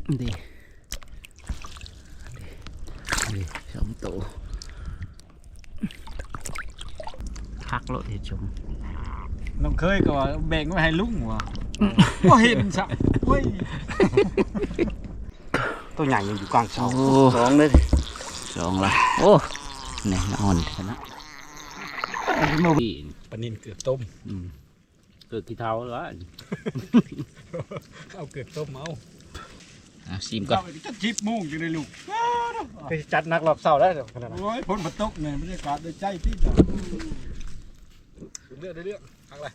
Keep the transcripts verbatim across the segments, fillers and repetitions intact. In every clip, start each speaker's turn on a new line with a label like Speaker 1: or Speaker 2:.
Speaker 1: ดีดีสองตัวพักรถเห็ดชม
Speaker 2: น้องเคยก็แบ่งไว้ให้ลุงว่ะก็เห็นสักเว้ยตัวใหญ่ยังอยู่กลางเสาสองเลย
Speaker 1: สองละโอ้เนี่ยนอนชนะ
Speaker 2: ปนินเกือบต้ม
Speaker 1: เกือบกี่เท้าแล้ว
Speaker 2: เอาเกือบต้มเอา
Speaker 1: ซิมก่อน
Speaker 2: จะจิบมุ่งอยู่ในลูกไปจัดนักรอบเสาได้ขนาดนั้นโอ้ยพ้นบรรทุกเนี่ยบรรยากาศได้ใจที่จะเลือกได้เลือกทางอะไร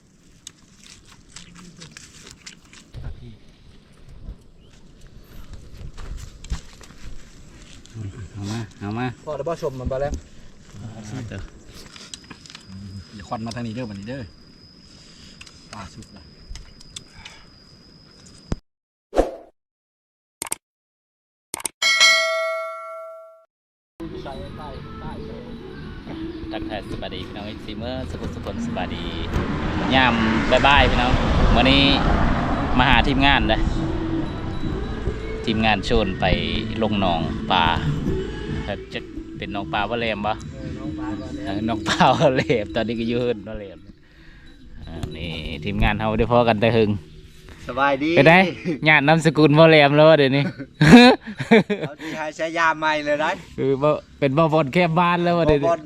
Speaker 1: เอามาเอามา
Speaker 2: พอแล้วบ่ชมมันไปแล้วอย่าควันมาทางนี้เด้อวันนี้เด้อปลาสุกละ
Speaker 1: ทักทายสวัสดีพี่น้องซีเมอร์สกุลสกุลสวัสดียามบายบายพี่น้องวันนี้มาหาทีมงานเลยทีมงานชวนไปลงหนองปลาจะเป็นหนองปลาว่าเลมปะหนองปลาว่าเลมตอนนี้ก็ยืนว่าเลมนี่ทีมงานเขาได้พอกันแต่หึง
Speaker 3: สบายดี
Speaker 1: เป็นไงญาตินามสกุลว่าเลมแล้วเดี๋ยวนี้
Speaker 3: เอาที่ให้ใช้ยาใหม่เลยได้
Speaker 1: คือเป็นบ่บอลแคบบ้านแล้วเดี๋ยวนี้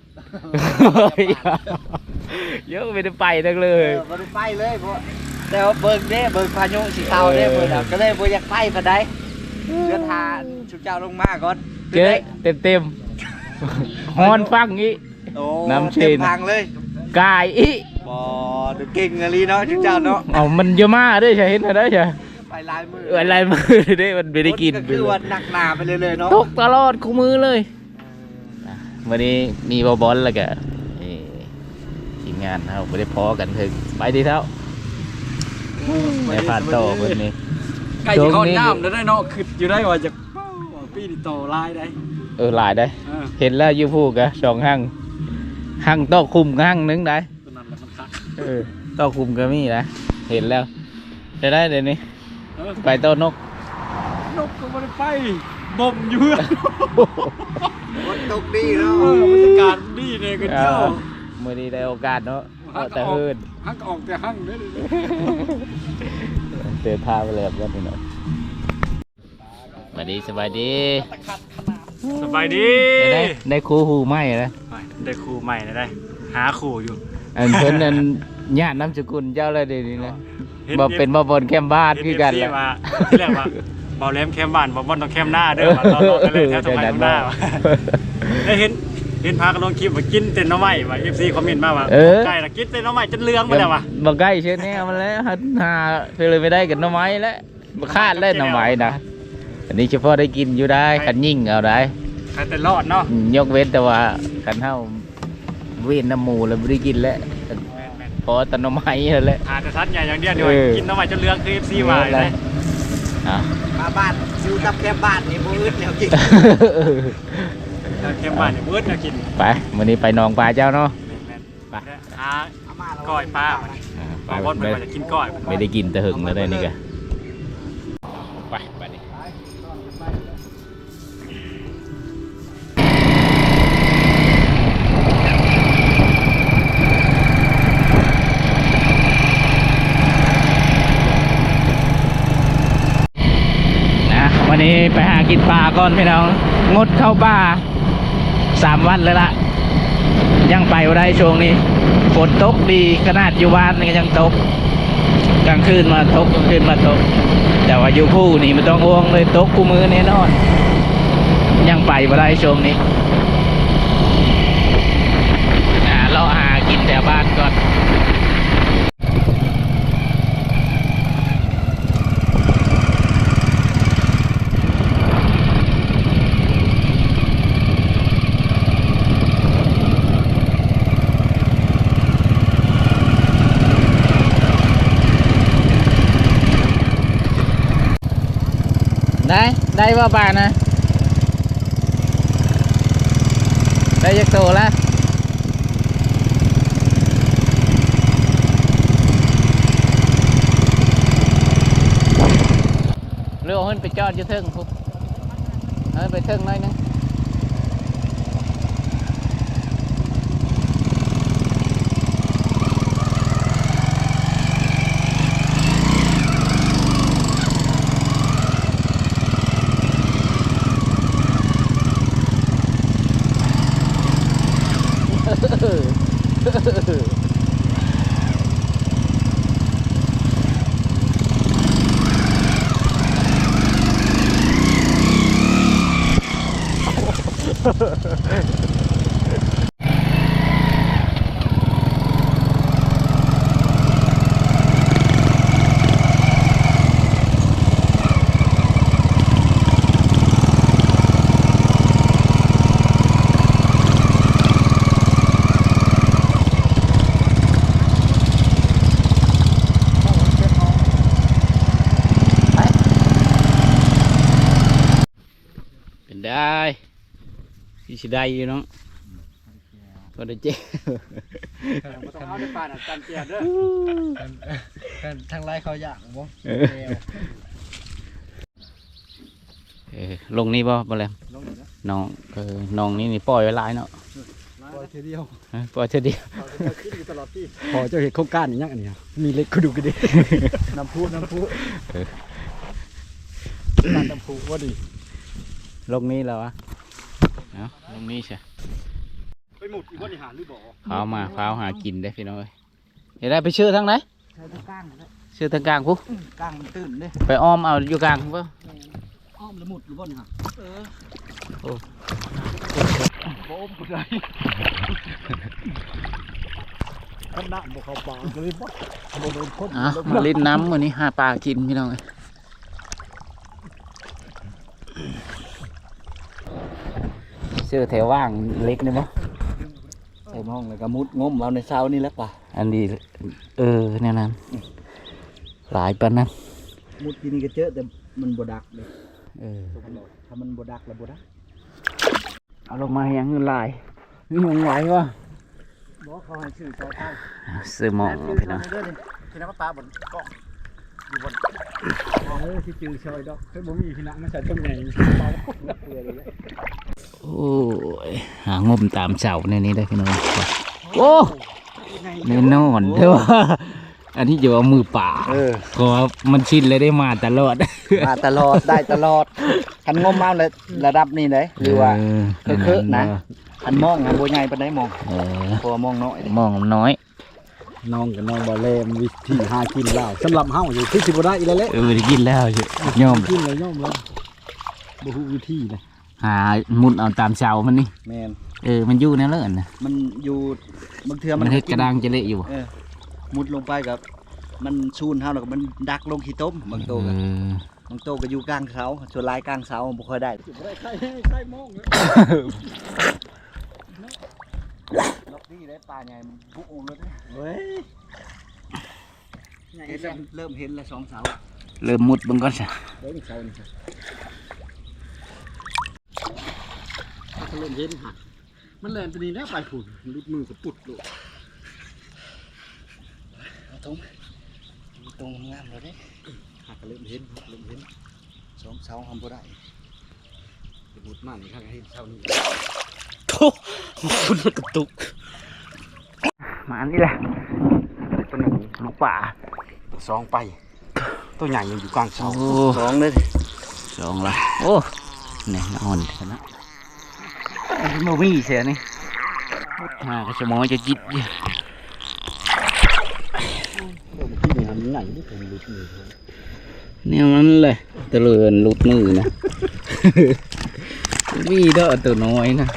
Speaker 1: เยอะไม่ได้ไปทั้งเลย
Speaker 3: ไม่ได้ไปเลยเพราะแต่ว่าเบิกเด้เบิกพายุสีเทาเด้เบิกก็เลยบ่อยากไปพอได้เดือดทานชุดเจ้าลงมาก่อน
Speaker 1: เจ๊เต็มเต็มฮอนฟังอี
Speaker 3: น้ำเต็มพังเลย
Speaker 1: กายอี
Speaker 3: บ่ดูเก่งอะไรเนาะชุดเจ้าเนาะ
Speaker 1: อ๋อมันเยอะมากด้วยใช่เห็นไหมได้ใช่
Speaker 3: ไปลายมือ
Speaker 1: ไปลายมือได้มันไม่ได้กิน
Speaker 3: คือวันหนักหนาไปเลยเลยเนาะ
Speaker 1: ตกตลอดคู่มือเลยวันนี้มีบอลบอลแล้วก็ทีมงานเราไม่ได้พอกันถึงไปดีเท่าในผ่านโตคนนี้
Speaker 2: ไก่ที่เขาน้ำแล้วได้เนาะคืออยู่ได้ว่าจะปีนี่โตลายได้
Speaker 1: เออลายได้เห็นแล้วยูพูกะสองห้างห้างโตคุมห้างนึงได้เออโตคุมก็มีนะเห็นแล้วจะได้เดี๋ยวนี้ไปโตนก
Speaker 2: นกก็ไม่ได้ไปบ่มอยู่
Speaker 3: วันตกดีเนาะ
Speaker 2: บรรยากาศดีเนี่ยกันเจ้า
Speaker 1: เมื่อนี้ได้โอกาสเนาะแต่เฮิร์น
Speaker 2: ฮักออกแต่ฮั่งได้เลย
Speaker 1: เตือนพาไปเลยครับพี่น้องสวัสดีสบายดี
Speaker 2: สบายดี
Speaker 1: ได้ได้ครูหูใหม่นะ
Speaker 2: ได้ครูใหม่นะได้หาครูอยู่
Speaker 1: อันเพิ่นนั้นญาติน้ำสกุลเจ้าเลยเดี๋ยวนี้นะบอกเป็นบ่บนแคมบ้านคือกันแหละ
Speaker 2: ที่แรกว่าบ่แหลมแคมบ้านบ่บนต้องแคมหน้าเด้อมาตอนๆกันเลยแถวตรงไหนหน้าได้เห็นเห็นพากันลงคลิปว่ากินเต้นน้ำไม้ว่า เอฟ ซี คอมเมนต์มาว่าไก่ละกินเต้นน้ำไม้จนเลืองไปแล้วว่ะ
Speaker 1: บ่ไก่เช่นนี้มันแล้วหาเพื่อเลยไม่ได้กันน้ำไม้แล้วบ่คาดเล่นน้ำไม้นะอันนี้เฉพาะได้กินอยู่ได้ขันยิ่งเอาได้
Speaker 2: ขันแต่รอดเนาะ
Speaker 1: ยกเว้นแต่ว่าขันเท่าเวียนน้ำหมูแล้วไม่ได้กินแล้วพอแต่น้ำไม้แล้วแหละ
Speaker 2: อาจจะทัดใหญ่อย่างเดียวเดียวกินน้ำไม้จนเลืองคือ เอฟ ซี มาเลย
Speaker 3: มาบ้านซิวกับแคมบ้านนี่มืดแล้วกิน
Speaker 2: แคมบ้านนี่มืดแล้วกิน
Speaker 1: ไปวันนี้ไปนองปลาเจ้าเนาะ
Speaker 2: ไปหาก้อยปลาปลาบอนไปจะกินก้อย
Speaker 1: ไม่ได้กินแต่หึงแล้วได้นี่กันไปไปดิวันนี้ไปหากินปลาก่อนพี่น้องงดเข้าป่าสามวันเลยละยังไปได้ช่วงนี้ฝนตกดีขนาดอยู่บ้านก็ยังตกกลางคืนมาตกกลางคืนมาตกแต่ว่าอยู่ผู้นี่มันต้องอ้วงเลยตกคู่มือแน่นอนยังไปได้ช่วงนี้เราหากินแถวบ้านก่อนได้ได้ว่าป่านะได้ยักโตแล้วหรือเอาขึ้นไปจอดอยู่เทิงปุ๊บเฮ้ยไปเทิงหน่อยนึงได้ที่สิได้อยู่น้องก็ได้เจ๊
Speaker 2: บ่ต้องเอาในป่าน่ะจันเกียรเด้อ
Speaker 3: ทางไรเขาอยากบ่
Speaker 1: เออลงนี่บ่บ่แล้ว
Speaker 2: ลงนี่นะ
Speaker 1: น้องเออน้องนี่นี่ปล่อยไว้หลายเนาะ
Speaker 2: ปล่อยทีเดียว
Speaker 1: เออปล่อยเท่าเดียว
Speaker 2: เขาจะกินอยู่ตลอดที่
Speaker 4: พอเจ้าเห็นโครงการอย่างนี้อันนี้มีเล็กกระดูกกระดิก
Speaker 2: น้ำพุน้ำพุ
Speaker 4: น้ำตำปูว่าดี
Speaker 1: ลงนี่แล้ววะเอาลงนี่ใช่
Speaker 2: ไปหมุดอีกว่านี่หาหรือบ่
Speaker 1: พาวมาพาวหากินได้พี่น้องเอ้ยเดี๋ยวได้ไปชื่อทางไหน
Speaker 3: ใช้ตะก้างนะ
Speaker 1: ชื่อทางกลางปุ๊
Speaker 3: ก้างมันตื่นเด้
Speaker 1: ไปอ้อมเอาอยู่กลางปุ๊
Speaker 3: อ้อมละมุดอยู่บ่นี่ฮะเออ
Speaker 1: โอ้
Speaker 4: บ่อมกูได้ขนาดบ่เข้าปากเลยบ่บ่โดนคน
Speaker 1: อ่ะมาเล่นน้ำวันนี้หาปลากินพี่น้องเอ้ยเสื้อแถวว่างเล็กนี่มั้ง
Speaker 3: ใส่ห้องแล้วก็มุดงมเอาในเช้านี่แหล้วป่ะ
Speaker 1: อันนี้เออเนี่ยนั้นหลายปันนั้น
Speaker 3: มุดกินก็เจอแต่มันบ่ดักเลย
Speaker 1: เออ
Speaker 3: ถ้ามันบ่ดักแล้วบ่ดัก
Speaker 1: เอาลงมาให้ยังเงินลายนี่มองไหววะ
Speaker 3: บ่เขาให้ชื่อซอยใต้
Speaker 1: ซื้อหมองพี่น้อง
Speaker 3: เด้อนี่ที่น้ำปลาบนกล้องอยู่บน
Speaker 4: เออที่จือซอยดอกเฮ้ยบ่มีพี่นักมาใส่ต้นใหญ่เบาเกลือเลย
Speaker 1: โอ้ยหางมตามเสาในนี้ได้พี่น้องโอ้แน่นอนเด้ออันนี้จะเอามือป่า
Speaker 3: เออ
Speaker 1: ก็มันชินเลยได้มาตลอด
Speaker 3: มาตลอดได้ตลอดคันงมเอาเลยระดับนี้เลยหรือว่า เคอะๆนะ อันมองนะบ่ใหญ่ปานใดมอง
Speaker 1: เออ
Speaker 3: เพราะว่ามองน้อยเด้
Speaker 1: มองน้อย
Speaker 4: น้องกับน้องบ่เล่มันวิธีหากินแล้วสำหรับเฮาอยู่คือสิบ่ได้อีแล้วแหละ
Speaker 1: เออได้กินแล้วเยอะย่อม
Speaker 4: กินเลยย่อมแล้วบ่ฮู้วิธีเลย
Speaker 1: หามุดเอาตามเสามันนี่
Speaker 3: แม่น
Speaker 1: เออมันอยู่แนวเลิศนะ
Speaker 3: มันอยู่บางเทื่อ
Speaker 1: มั
Speaker 3: มัน น
Speaker 1: เฮ็ดกระด้างจะเละอยู่
Speaker 3: เออมุดลงไปกับมันชูนเฮาแล้วก็มันดักลงขี้ต้มบางโต
Speaker 1: เอ
Speaker 3: ก็
Speaker 1: อบ
Speaker 3: างโตก็อยู่กลางเสาส่วนหลายกลางเสาบ่ค่อยได้
Speaker 4: สิบ่ได้ใครใครมองเลย
Speaker 3: ล็อกนี่ได้ปลาใหญ่มันบุกออกเลย
Speaker 4: เฮ้ย
Speaker 3: เห็นแล้วเริ่มเห็นแล้วสองเสา
Speaker 1: เริ่มมุดเบิ่งก่อนซะ
Speaker 4: เฮ้ยเสานี่ถ้าเขาเล่นเย็นหักมันแล่นตัวนี้แล้วไปพุ่นลุดมือก็ปุดโลด
Speaker 3: เอาตรงตรงงามเลยเด้
Speaker 4: หักก็เล่นเห็นหักเล่นเห็น
Speaker 3: สองเสาทำบ่ได้
Speaker 4: ไปมุดมันข้างให้เสานี่
Speaker 1: โธ่คุณกระตุกมาอันนี้แหละ
Speaker 4: ตัวนึง
Speaker 1: ลูกป่า
Speaker 4: สองไป ตัวใหญ่ยังอยู่กลางเสา
Speaker 1: โอ้
Speaker 3: สองเลย
Speaker 1: สองละโอ้นี่นอนชนะโมวี่เสียนี่มากระชมอจะจิตอยู่
Speaker 4: ที่นี่ทำไหนนี่ผมรู้ชื่อ
Speaker 1: เนี่ยมันเลยตะเลือนหลุดมือนะ มีเด้อตัวน้อยนะ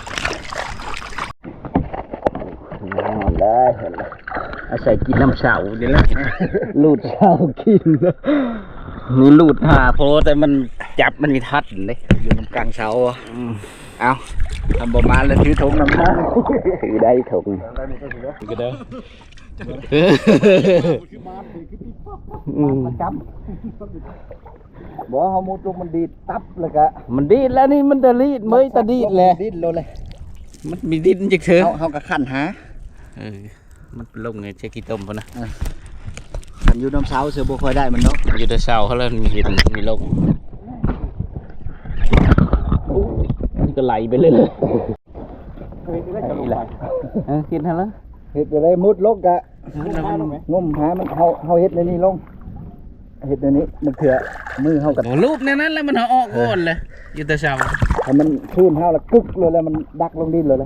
Speaker 1: นอนได้อาศัยกินน้ำเสาเดี๋ยวละหลุดเสากินนะนี่หลุดหาโพแต่มันจับมันมีทัดเลย
Speaker 3: อยู่ตรงกลางเสาอ่ะ
Speaker 1: อืม
Speaker 3: เอาทำประมาณแล้วถือถุงน้ำผ้า
Speaker 1: ถือได้ถุงก็ได้อืม
Speaker 3: จับบอกเขามุดลงมันดีดตับเลยกะ
Speaker 1: มันดีดแล้วนี่มันจะรีดเมยตะดีดเลย
Speaker 3: ดีดเลย
Speaker 1: มันมีดินจักเถอะ
Speaker 3: เขาเขากะขันหา
Speaker 1: เออมันลงไงเช็คกี่ต้มพอนะ
Speaker 3: คันอยู่น้ำเช้าเสือบ่ค่อยได้มันเนาะ
Speaker 1: อยู่แต่เช้าเขาเริ่มมีเห็นมีลงนี่ก็ไหลไปเลยเลยเออกินทันแล้ว
Speaker 3: เฮ็ดอะไรมุดลงกะงมหามันเฮาเฮาเฮ็ดในนี้ลงเฮ็ดในนี้มันเถื่อมือเฮากัน
Speaker 1: โอ้รูปในนั้นแล้วมันเอาออกก่อนเลยอยู่แต่เช้า
Speaker 3: ถ้ามันขึ้นเฮาแล้วกึกเลยแล้วมันดักลงดินเลยเลย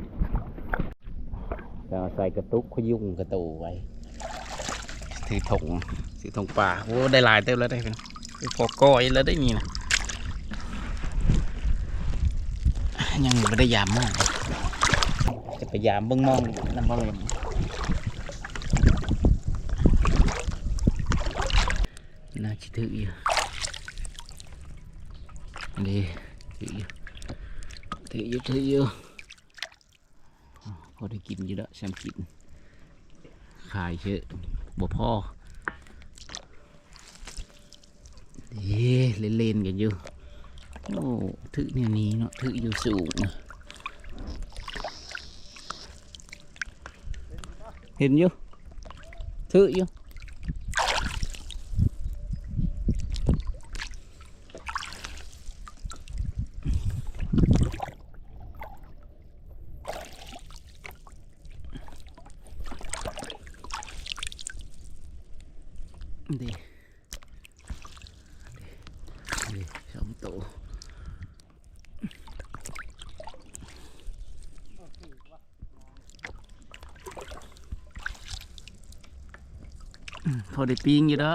Speaker 1: จะใส่กระตุกขยุ่งกระตูไว้ถือถงถือถงป่าโอ้ได้หลายเต็มแล้วได้เป็นพอก้อยแล้วได้มีนะยังไม่ได้ยามมากจะไปยามเบิ้งมองน้ำบอลเลยน่าคิดถึงอยู่ดีถืออยู่ถืออยู่ถืออยู่พอได้กินอยู่แล้วฉันกินขายเยอะบ่พ่อเฮ้เล่นเล่นกันอยู่โอ้ถือเนี่ยนี้เนาะถืออยู่สูงนะเห็นอยู่ถืออยู่ดีดีสองตัวพอได้ปิ้งอยู่แล้ว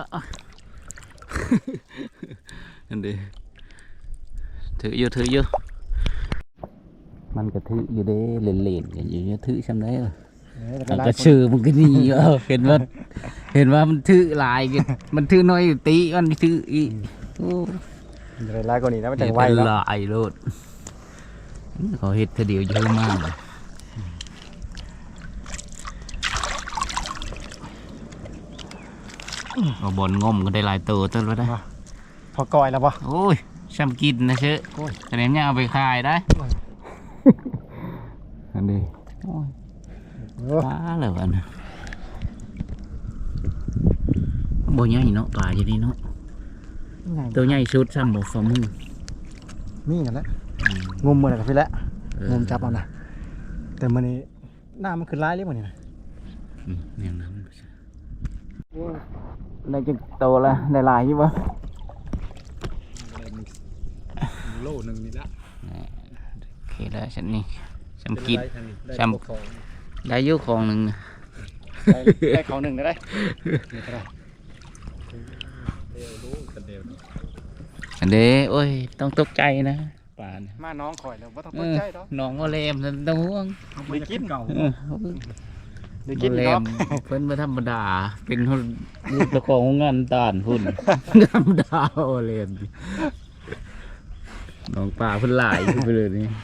Speaker 1: อันนี้ถืออยู่ถืออยู่มันก็ถืออยู่เด้เล่นเล่นกันอยู่เนี่ยถือซ้ำได้เหรอมันก็ชื่อมันก็นี่เออเห็นว่าเห็นว่ามันถือหลายกันมันถือน้อยอยู่ตีมันถืออีโอ้
Speaker 2: เวลาก่อนนี้นะมันจังไว
Speaker 1: เป็น
Speaker 2: เนาะ
Speaker 1: หลายโลดเขาเห็ดเดียวเยอะมากเลยเอาบอลงมก็ได้หลายตัวต้นแล้วได้
Speaker 2: พอก้อยแล้วป่ะ
Speaker 1: โอ้ยช่ำกินนะเชอะแต่เนี้ยเอาไปขายได้อันนี้โอ้ยปลาเลยวันนะโบใหญ่เนาะปลาอยู่นี่เนาะตัวใหญ่สุดซ้ำบ่ฝ่ามือ
Speaker 2: นี่กันแล้วงมมือไหนกับพี่แล้วงมจับเอานะแต่มันนี่หน้ามันคือร้ายเลยมันนี่นะ
Speaker 1: อืมอย่างนั้นได้จังโตแล้วได้หลายอยู่บ่
Speaker 2: โลหนึ่งนี่ละ
Speaker 1: โอเคแล้วฉันนี่ฉันกินฉันได้อยุของหนึ่ง
Speaker 2: ได้ของหนึ่งได้นี่ก็ได้
Speaker 1: อันเด้โอ้ยต้องตกใจนะป่าน
Speaker 2: มาน้องข่อยแล้วว่าต้องตกใจดอก
Speaker 1: น้องโมเลมนั่นต้องห่วง
Speaker 2: ได้กินเก่า
Speaker 1: เออ
Speaker 2: ได้
Speaker 1: โม
Speaker 2: กิน
Speaker 1: เล
Speaker 2: เนาะ
Speaker 1: มเพิ่นมาธรรมดาเป็นคนลูกตะของงานตานพุ่นธรรมดาโมเลมน้องป่าเพิ่นหลายขึ้นไปเลยนี่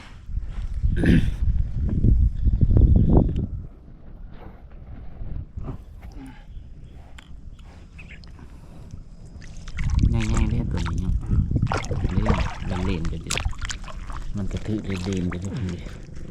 Speaker 1: ง่ายๆเล่นตัวนี้เนาะเล่นเล่นกันดิมันกระทืบเล่นๆกันทุกที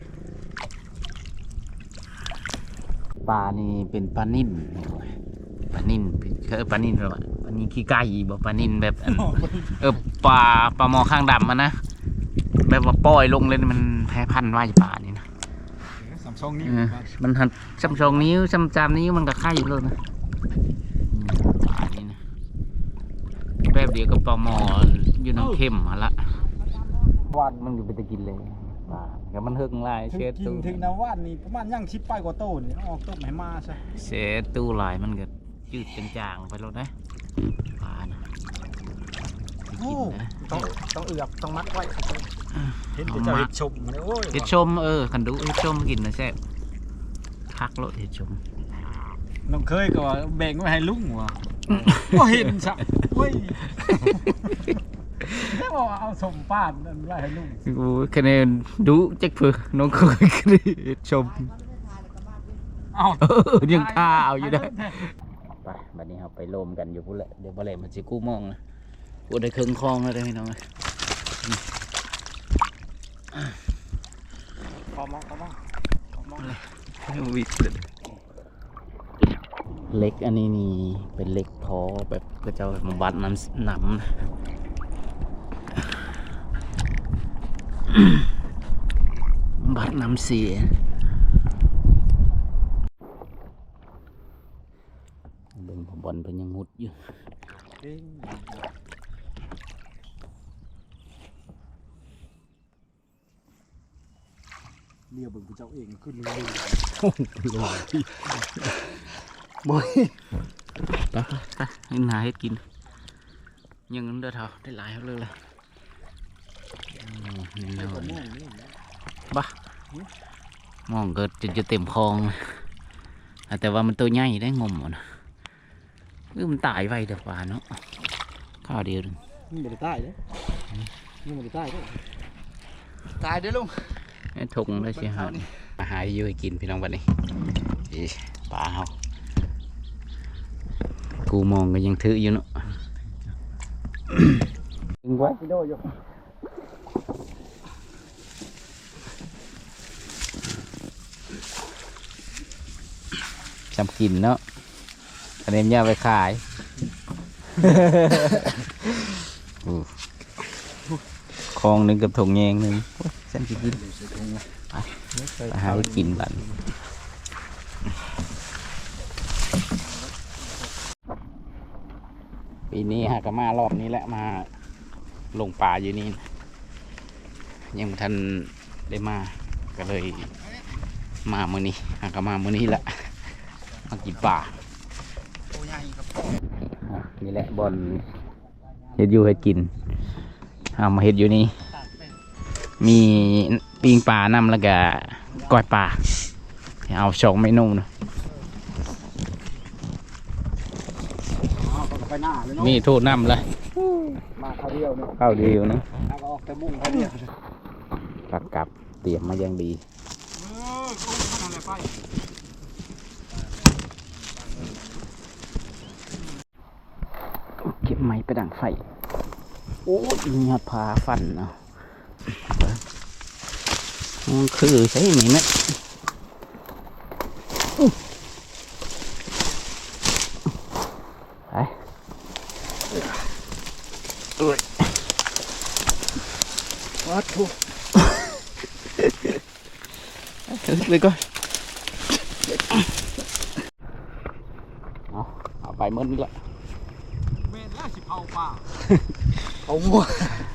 Speaker 1: ปลานี่เป็นปลานิ่นปลานิ่นคือปลานิ่นหรอปลานิ่นขี้ไก่บ่ปลานิ่นแบบอันเออปลาปลาหมอข้างดำมันนะแบบว่าปล่อยลงเลยมันแพ้พันธุ์ว่าปลานี่นะ
Speaker 2: สามช่องนี้
Speaker 1: เออมันหันจำชองนิ้วจำจำนิ้วมันก็ไข่เลยนะปลานี่นะแป๊บเดียวก็ปลาหมออยู่น้ำเข้มมาละวันมันอยู่ไปตะกินเลยปลาก็มันเฮิงลาย
Speaker 2: ถึง
Speaker 1: เช็ด
Speaker 2: กิน
Speaker 1: ตู้
Speaker 2: ถึงน้ำว่านนี่ประมาณย่างชิปไปกว่าโตนี่ออกต้มให้มาใช่
Speaker 1: เช็ดตู้ลายมันก็จืดจางๆไปแล้วนะปลานะไปกินนะ
Speaker 2: ต้องต้องเอือกต้องมัดไว้เห็นจะเห็ดชมเนี่ยโอ้ย
Speaker 1: เห็ดชมเออขันดูเห็ดชมกินนะแซ่บคักโลดเห็ดชม
Speaker 2: น้องเคยก็ว่าแบ่งไว้ให้ลุงว่ะว่าเห็นสักเว้ยแค่บอกว่าเอาสมป้านนั่นไว้ให้ลุง
Speaker 1: โอ้คะแนนดูจักเพื่อน้องเคยกรีดชม
Speaker 2: เอา
Speaker 1: เออยังท่าเอาอยู่ได้ไปบัดนี้เราไปโลมกันอยู่พุ่นแหละเดี๋ยวบ่แลมันสิกู้มองนะกูได้ครึ่งคลองแล้วได้อพี่น้อง
Speaker 2: ขอมองขอมองขอมอง
Speaker 1: วิดเลยเล็กอันนี้นี่เป็นเล็กพอแบบก็จะมาบัดน้ำน้ำนะบัดน้ำเสียเบิ่งผมบอลเป็นยังมุดอยู่
Speaker 4: เรียกเบิ่งผู้เจ้าเองขึ้นเลย
Speaker 3: บ่ย
Speaker 1: ไปไปให้นาให้กินยังเด้อเท่าได้หลายเขาเลยเลยนี่น้อยบ้ามองเกิดจนจะเต็มคลองแต่ว่ามันตัวใหญ่ได้งมอ่ะนะมันตายไวเดี๋ยวป่าเนาะข้าวเดียวนึง
Speaker 4: นี่บ่ได้ใต้เด้นี่บ่ได้ใต้เด้
Speaker 3: ตายเด้อลุง
Speaker 1: ทงได้สิฮะมาหาอยู่ให้กินพี่น้องวันนี้ปลาเขากูมองก็ยังถืออยู่เนาะดึงไว้
Speaker 4: พี่โดอยู่
Speaker 1: จำกินเนาะคะแนนย่าไปขายคลองหนึ่งกับถงแยงหนึ่งฉันจะกินไปไปหาไปกินบันปีนี้ฮะก็มารอบนี้แหละมาลงป่าอยู่นี่นะยังบ่ทันได้มาก็เลยมามื้อนี้ฮะก็มามื้อนี้แหละมากินป่านี่แหละบอลเฮ็ดอยู่เฮ็ดกินเอามาเฮ็ดอยู่นี่มีปิ้งปลานำแล้วก็ก้อยปลาเอาสองเมนูนะ
Speaker 4: ไปหน้าเลยเนาะ
Speaker 1: มีทูน้ำเลย
Speaker 4: มาคราวเดียวเนาะ
Speaker 1: ข้าวเดียวนะ
Speaker 4: แล้วก็ออกแต่มุ่งคราวเดียว
Speaker 1: ปักกับเตรียมมาอย่างดี
Speaker 4: เออโอ้ขนาดไหนไป
Speaker 1: เก็บไม้ไปดังไฟโอ้ยมีหอดพาฟันเนาะมันคือใช่ไหมเนี่ยไปเอ้ย
Speaker 4: วัดทุก
Speaker 1: เลยก่อนเอาเอาไปมืดนี่แหละ
Speaker 4: เมนแล้วสิเผาป่า
Speaker 3: เอางัว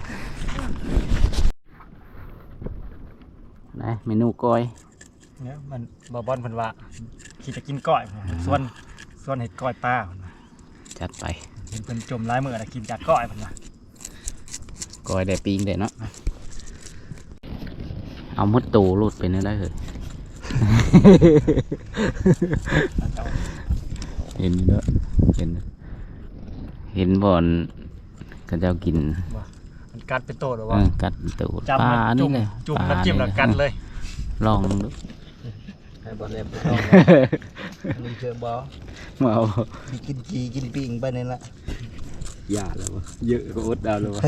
Speaker 1: ไหนเมนูก้อย
Speaker 2: เนี่ยมันบ่บอลเพิ่นว่าขี่จะกินก้อยส่วนส่วนเห็ดก้อยปลาเพิ่นว่า
Speaker 1: จัดไป
Speaker 2: เห็นเพิ่นจมหลายมื้อแล้วกินจากก้อยเพิ่นว่า
Speaker 1: ก้อยได้ปีงได้เนาะเอามดตูรูดไปนั่นได้เหรอ เห็นเนาะเห็นเห็นบอนก็จะกิน
Speaker 2: มันกัดเป็นโตหรือ
Speaker 1: เอ
Speaker 2: ว่า
Speaker 1: อกัดตู
Speaker 2: จับ
Speaker 1: ปลา
Speaker 2: มัน
Speaker 1: นี่
Speaker 2: จุ่ม
Speaker 1: เลย
Speaker 2: จุ่ม
Speaker 1: ปลา
Speaker 2: น้ำจิ้มแล้วกัดเลย
Speaker 1: ลองดู
Speaker 3: ให้บ่เล็บบ่ต้องลุงเจอบ่
Speaker 1: มาเอา
Speaker 3: มีกินจีกินปิ้งไปนี่ละ
Speaker 1: อย่าแล้ววะเยอะก็อดเอาเลยวะ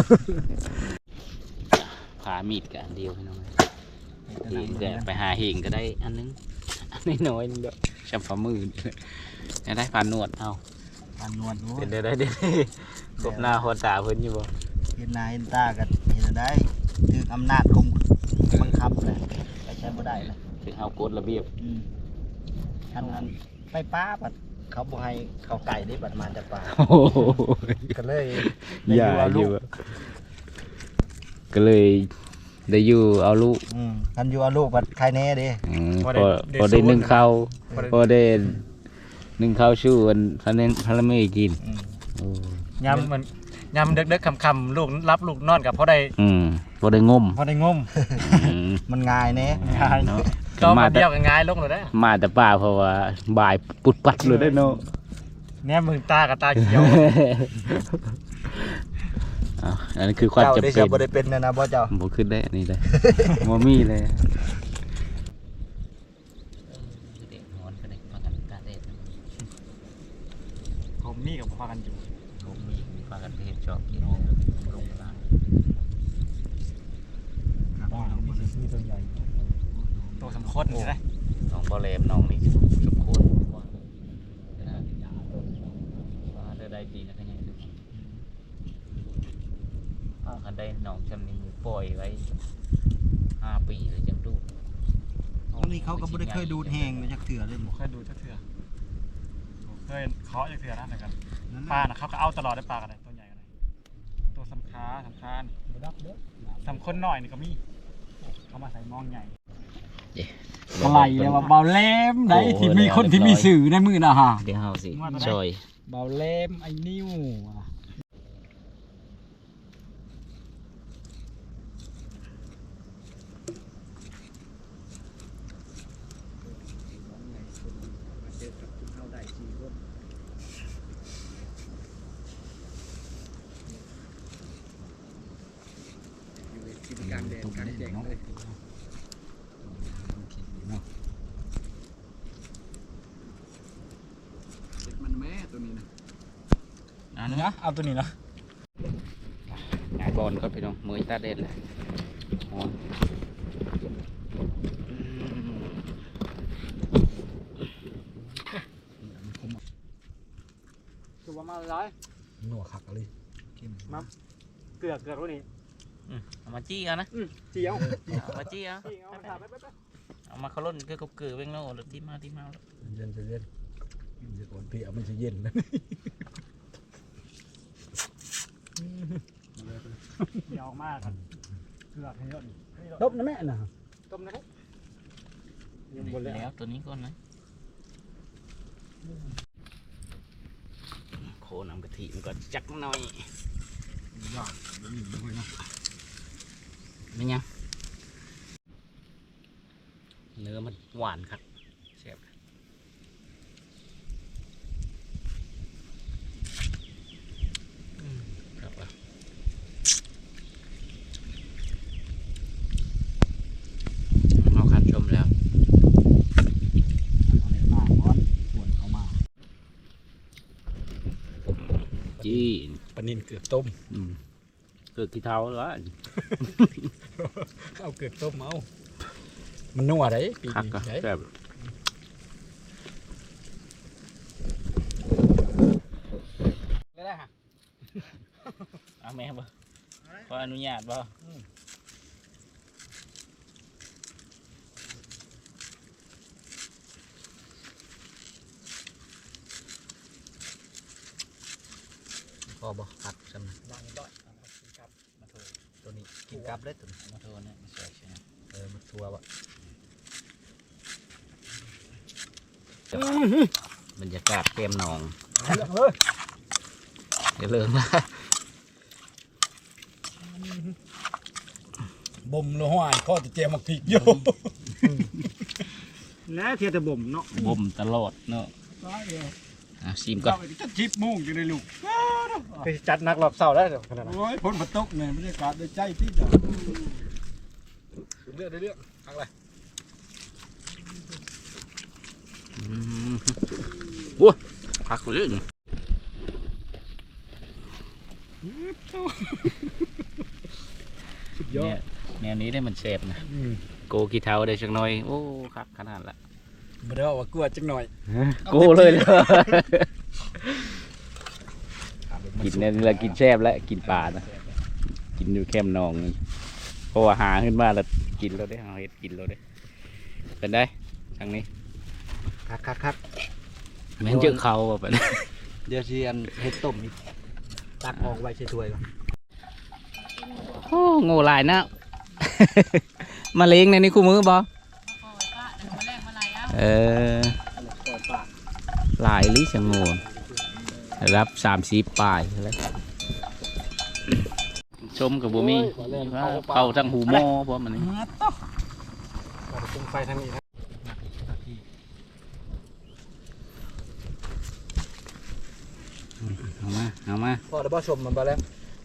Speaker 1: ผามีดกันเดียวให้น้องเฮงก็ไปหาเฮงก็ได้อันนึงอันน้อยๆนึงเด้อชับฝ่ามือจะได้ผ่านนวดเอา
Speaker 3: อันนวลโอ้
Speaker 1: เป็นได้ได้เด้กบหน้าหัวตาเพิ่นอยู่บ่
Speaker 3: เห็นหน้าเห็นตากันเห็นได้ถึงอำนาจคุมบังคับเลยไปใช้บ่ได้เลย
Speaker 1: ถึงเอากฎระเบียบ
Speaker 3: อืมอันนั้นไปป้าบัดเขาบ่ให้เขาไก่ได้บัดมาจากป่า
Speaker 1: โอ้โห
Speaker 3: ก็เลย
Speaker 1: อย่าอยู่อะก็เลยได้อยู่เอาลูก
Speaker 3: อืมคันอยู่เอาลูกบัดใครแน่เด้
Speaker 1: อืมพอพอได้นึ่งข้าวพอได้นึ่งข้าวชูอันพันเนพันละไม่กิน
Speaker 3: อืม
Speaker 1: โอ้
Speaker 2: ยำมันยำเด็กๆคำๆลูกรับลูกนอนกับพอได้
Speaker 1: อืมพอได้งม
Speaker 2: พอได้งม
Speaker 1: อืม
Speaker 3: มันง่ายแน่
Speaker 2: ง่าย
Speaker 1: เนาะ
Speaker 2: ก็
Speaker 1: มา
Speaker 2: มา
Speaker 1: แต่
Speaker 2: เดียวกันง่ายลงเลยได้
Speaker 1: มาแต่ป่าเพราะว่าบ่ายปุดปัดเลยได้เนาะ
Speaker 2: เนี่ยมึงตากับตาเขียว
Speaker 1: อ้าวอันนี้คือความ
Speaker 3: เจ้า
Speaker 1: จำ
Speaker 3: ได้
Speaker 1: เป็
Speaker 3: จะ
Speaker 1: น
Speaker 3: บ่ได้เป็นนะนะบ่เจ้า
Speaker 1: บ่ขึ้นได้อันนี้เลยบ่มีเลย
Speaker 2: ผมนี่กับพากันอยู่
Speaker 1: ผมมีมีปลากันเทศชอบกินลงล่าง
Speaker 2: บ้านมีมีตัวใหญ่ตัวสำคัญใช่ไหม
Speaker 1: น้องบอเลมน้องนี่สุกคนได้คันได้หนองจำนี้ปล่อยไว้ห้าปีเลยจังดู
Speaker 4: ตรงนี้เขาก็บ่ได้เคยดูดแห้งมาจากเถื่อเลยหม
Speaker 2: เคยดูจักเทื่อเคยเคาะจักเทื่อนะแต่กันปลาน่ะเขาก็เอาตลอดได้ปลากันเลยตัวใหญ่กันเลยตัวสำคัญสำคัญ
Speaker 4: บ่ดับเด้อ
Speaker 2: สำคัญหน่อยนี่ก็มีเขามาใส่มองใหญ่
Speaker 1: เย้
Speaker 2: อะไรเลยว่าเบาแหลมได้ที่มีคนที่มีสื่อในมือนะฮะ
Speaker 1: เดี๋ยวเฮาสิซอย
Speaker 2: เบาแหลมไอ้นิ้ว
Speaker 3: เจอกับคุณเฮาได้สี่คนอยู่ในกินกลางแดดกลางแจ้งเลย
Speaker 4: มันแม่ตัวนี้นะ
Speaker 1: อันนี้
Speaker 2: นะเอาตัวนี้นะ
Speaker 1: งานบอลก็พี่น้องมือตาเด็ดเลยอ๋อ
Speaker 2: คือว่ามาร้าย
Speaker 4: หนัวคักเลยเข้ม
Speaker 2: มาเกลือเกลือตัวนี้
Speaker 1: เอามาจี้กันนะ
Speaker 2: เจียว
Speaker 1: เอามาจี้เอา
Speaker 2: เอามาถามไปไป
Speaker 1: เอามาเขาล่นก็กับเกลือเว้งโน่หรือที่มาที่มา
Speaker 4: เย็นจะเย็นเดี๋ยวก่อนพี่เอาไม่ใช่เย็นนะ
Speaker 2: เจียวมากครับเกลือให้เยอะนี่
Speaker 4: ต้มนะแม่น่ะ
Speaker 2: ต้มนะครับ
Speaker 1: แล้วตัวนี้ก่อนนะโคนำกะทิมันก็จักหน่อย
Speaker 4: ยากเดี๋ยวนี้ด้วยนะ
Speaker 1: ไม่ยังเนื้อมันหวานครับแซ่บอืมครับว่ะเอาคันชมแล้ว
Speaker 4: เอาเนื้อมาก้อนส่วนเขามา
Speaker 1: จี้
Speaker 4: ปลานินเกือบต้ม
Speaker 1: อืมเกิดกี่เท้าแล้ว
Speaker 4: เอาเกือบต้มเอามันนัวได้ปี
Speaker 1: คัก
Speaker 4: นี้
Speaker 1: ก็
Speaker 4: ได้
Speaker 1: แซ่บได้ฮะเอาแม่บ่ขออนุญาตบ่
Speaker 4: พอบ่คักจำนะ
Speaker 2: ดังด้อยครับมาถูก
Speaker 4: ตัวนี้กินกับเลยตัวนี้
Speaker 1: มาโทษนะไม่ใช่ใช่ไหม
Speaker 4: เออมันทัววะ
Speaker 1: บรรยากาศเกมหนอง
Speaker 4: เฮ้ย
Speaker 1: อย่าเลิงนะ
Speaker 4: บ่มละห้อยพ่อจะเจียมมักพริกอยู่
Speaker 2: แน่เทียแต่บ่มเนาะ
Speaker 1: บ่มตลอดเนาะ
Speaker 2: ร้ายเลย
Speaker 1: อ่ะชิมก่อน
Speaker 4: จะจิบมุ่งอยู่ในลูก
Speaker 2: ไปจัดนักรอบเสาได้เดี๋ยวขนาดนั้น
Speaker 4: โอ้ยพ้นมาตกเนี่ยบรรยากาศได้ใจที่จะเลือกได้เลือกทางอะไร
Speaker 1: อืมโอ้ยพักเลย
Speaker 4: สุดยอ
Speaker 1: เนี่ย
Speaker 4: ด
Speaker 1: แนวนี้ได้มันเชฟนะ
Speaker 4: อืม
Speaker 1: โกกี่เท้าได้ชักหน่อยโอ้คักขนาดละ
Speaker 4: บ่ได้ว่าว่ากลัวจังหน่อย
Speaker 1: โกเลยเลยกินเนี่ยเรากินแซ่บแล้วกินปลานะกินอยู่แคมป์นองนี่เพราะว่าหาขึ้นมาแล้วกินแล้วได้หาเห็ดกินแล้วได้เป็นได้ทางนี้
Speaker 3: คักคักคัก
Speaker 1: แม่นเจอเขาแบบนี้
Speaker 3: เดี๋ยวสิอันเฮ็ดต้มนี่ตักออกไว้ใส่ถ้วยก่อน
Speaker 1: โอ้โง่หลายนะ มาเลี้ยงในนี้คู่มือบ่เออหลายลิชงโง่รับสามสีปลายแล้วชมกับบุมีเข้าทางหูโม่เพราะมันนี่
Speaker 2: ตรงไฟทางนี้นะ
Speaker 1: เอามาเอามา
Speaker 3: พอแล้วบ่ชมมันบ่แล้ว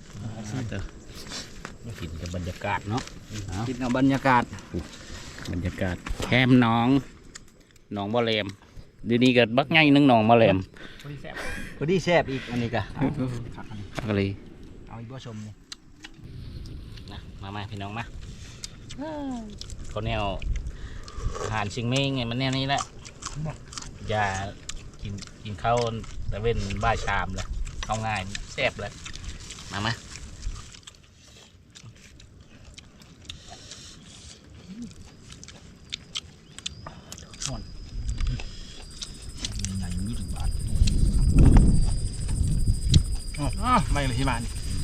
Speaker 1: กินกับบรรยากาศเนาะเอา
Speaker 3: กินเอาบรรยากาศ
Speaker 1: บรรยากาศแคมป์หน้องหนองบ่อแหลมเดียวนี้ก็บักใหญ่หนึงหนองบ่อแหลม
Speaker 3: พอดีแซ่บอีกอันนี้ก็
Speaker 1: ก็เลย
Speaker 3: เอาอีกบ่ชมนี่
Speaker 1: นะมามาพี่น้องมาเขาแนวอาหารชิงเม้งไงมันแนวนี้แหละอย่ากินกินข้าวแต่เว้นบ่ายชามเลยเข้าง่ายแซ่บเลยมามา
Speaker 2: ที่มานี่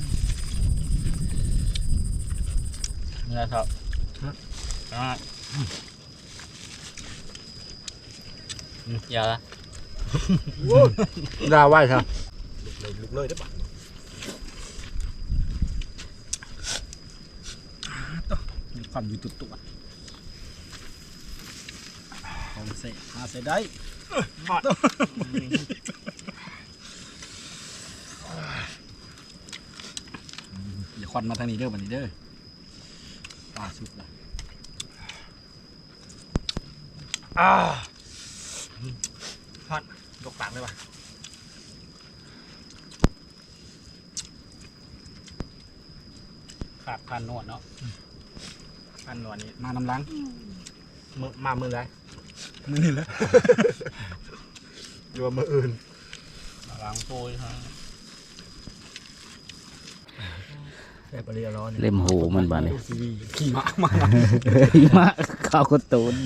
Speaker 1: นี่ครับ
Speaker 2: อ่า
Speaker 1: อย่าละ
Speaker 4: ดาไว้ครับ
Speaker 2: ลุกเลยได้ปะมีความอยู่ตุ่ตัว
Speaker 4: เอาเสะหาเสะได้
Speaker 2: หอด
Speaker 4: อย่าควันมาทางนี้เด้อบัดนี้เด้อปลาสุกละ
Speaker 2: อ่าหอดยกปากเลยปะขาดพันนวดเนาะพันนวดนี่
Speaker 4: มาน้ำล้าง
Speaker 2: มือมามือไร
Speaker 4: มือนี่แหละอยู่ว่ามืออื่น
Speaker 2: ล้างโป้ยฮะ
Speaker 4: แค่ปลาเรียร้อน
Speaker 1: เล่มหูมันบ้านี่
Speaker 4: ดูซีขี่ม้ามา
Speaker 1: มาข้าวกระตูน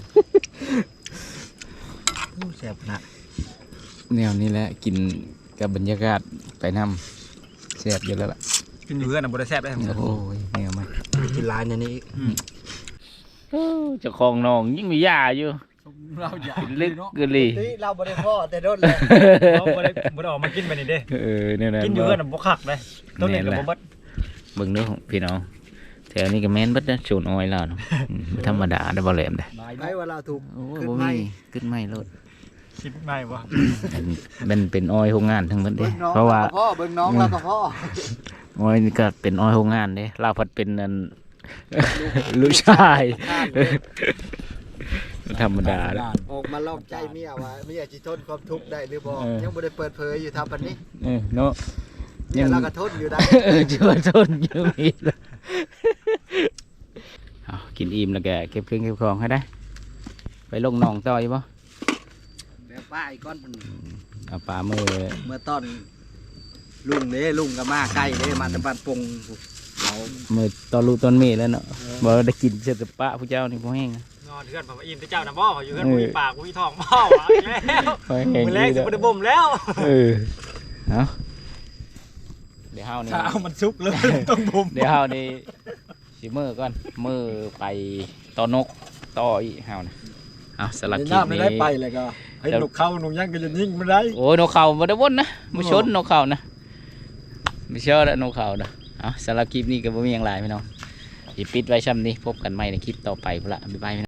Speaker 4: แซ่บนะ
Speaker 1: แนวนี้แหละกินกับบรรยากาศไปนำแซ่บอยู่แล้วล่ะ
Speaker 2: กินอยู่เพื่อนอ่ะบริแซ่บได้ทั้งหมด
Speaker 1: โอ้ยแนวมัน
Speaker 4: กินร้านเนี่ยนี่
Speaker 1: เจ้าของน้องยิ่งมียาอยู่
Speaker 4: เราอยาก
Speaker 1: กินลึกกะลี
Speaker 3: นี่เราบ่ได้พ่อแต่โดนเลย
Speaker 2: เขาบริบริออกมากินไปนี่เด้
Speaker 1: เออเนี่ยนะ
Speaker 2: กินอยู่เพื่อนอ่ะบ่คักเลยต้นเล่นกับบ่เบัด
Speaker 1: เบิ่งเด้อพี่น้องแถวนี้ก็แม่นเบิดนะโชนอ้อยแล้วเนาะอืมบ่ธรรมดาได้อบ่แหลมเด้อ
Speaker 3: ไอ้ว่าเราถูก
Speaker 1: โอ้ย
Speaker 3: ขึ้น
Speaker 1: บ่
Speaker 3: ไม่
Speaker 1: มีขึ้นไม่โลด
Speaker 2: คิดไม่บ่
Speaker 1: อันมันเป็นอ้อยโรงงานทั้งหมดเด้
Speaker 3: เบิ่งน้อง
Speaker 1: เพราะว่า
Speaker 3: เราก็พ่อเบิ่งน้องเราก็พ่อ
Speaker 1: อ้อยนี่ก็เป็นอ้อยโรงงานเด้เราพัดเป็นอัน ลูกชายธรรมดาเด้อ
Speaker 3: ออกมาลอกใจเมียว่าเมียสิทนความทุกข์ได้หรือบ่
Speaker 1: เออ
Speaker 3: ยังบ่ได้เปิดเผยอยู่ทำปานนี้
Speaker 1: เออเนาะ
Speaker 3: เนี่ยเราก็ทนอยู่ได้
Speaker 1: เออเชื่อทนอยู่มีเลยเอากินอิ่มแล้วแกเก็บเครื่องเก็บของให้ได้ ไปลงหนองต่อยบ่
Speaker 3: แบบป้าไอ้ก้อนมัน
Speaker 1: เอาปลามือ
Speaker 3: เมื่อตอนลุงเด้ลุงก็มาใกล้เด้มาแตะบ้านปงเอา
Speaker 1: มือตอนลูกตอนเมีเแล้วเนาะบ่ได้กินเสร็จแต่ปะผู้เจ้านี่บ่แห้งอะ
Speaker 2: นอนเพื่อนผมว่าอิ่มแต่เจ้าน่ะบ่อยู่เพื่อนบ่มีปากบ่มีท้องบ่อ่ะแล้ว
Speaker 1: บ่แห้ง
Speaker 2: มื้อแรก
Speaker 1: ดี
Speaker 2: สิ
Speaker 1: เด้อ
Speaker 2: บ่ได้บ่มแล้ว
Speaker 1: เออเอาเดี๋ยวเฮานี่
Speaker 2: ถ้าเอามันซุกเลยต้องบ่ม
Speaker 1: เดี๋ยวเฮานี่สิมือก่อนมือไปต่อนกต่ออีกเฮานะเอาสลักคลิป
Speaker 4: น้ำไม่
Speaker 1: นี้
Speaker 4: ได้ไปเลยก็ให้หนุกเข้าหนุกยังก็จะยิ่งไม่ได้
Speaker 1: โอ้ยนกเขาบ่ได้วนนะบ่ชนนกเขานะไม่เชื่อแล้วนกเขานะเอาสำหรับคลิปนี้ก็บ่มีหยังหลายพี่น้องสิปิดไว้ช่ำนี้พบกันใหม่ในคลิปต่อไปพุ่นละบ๊ายบายพี่น้อง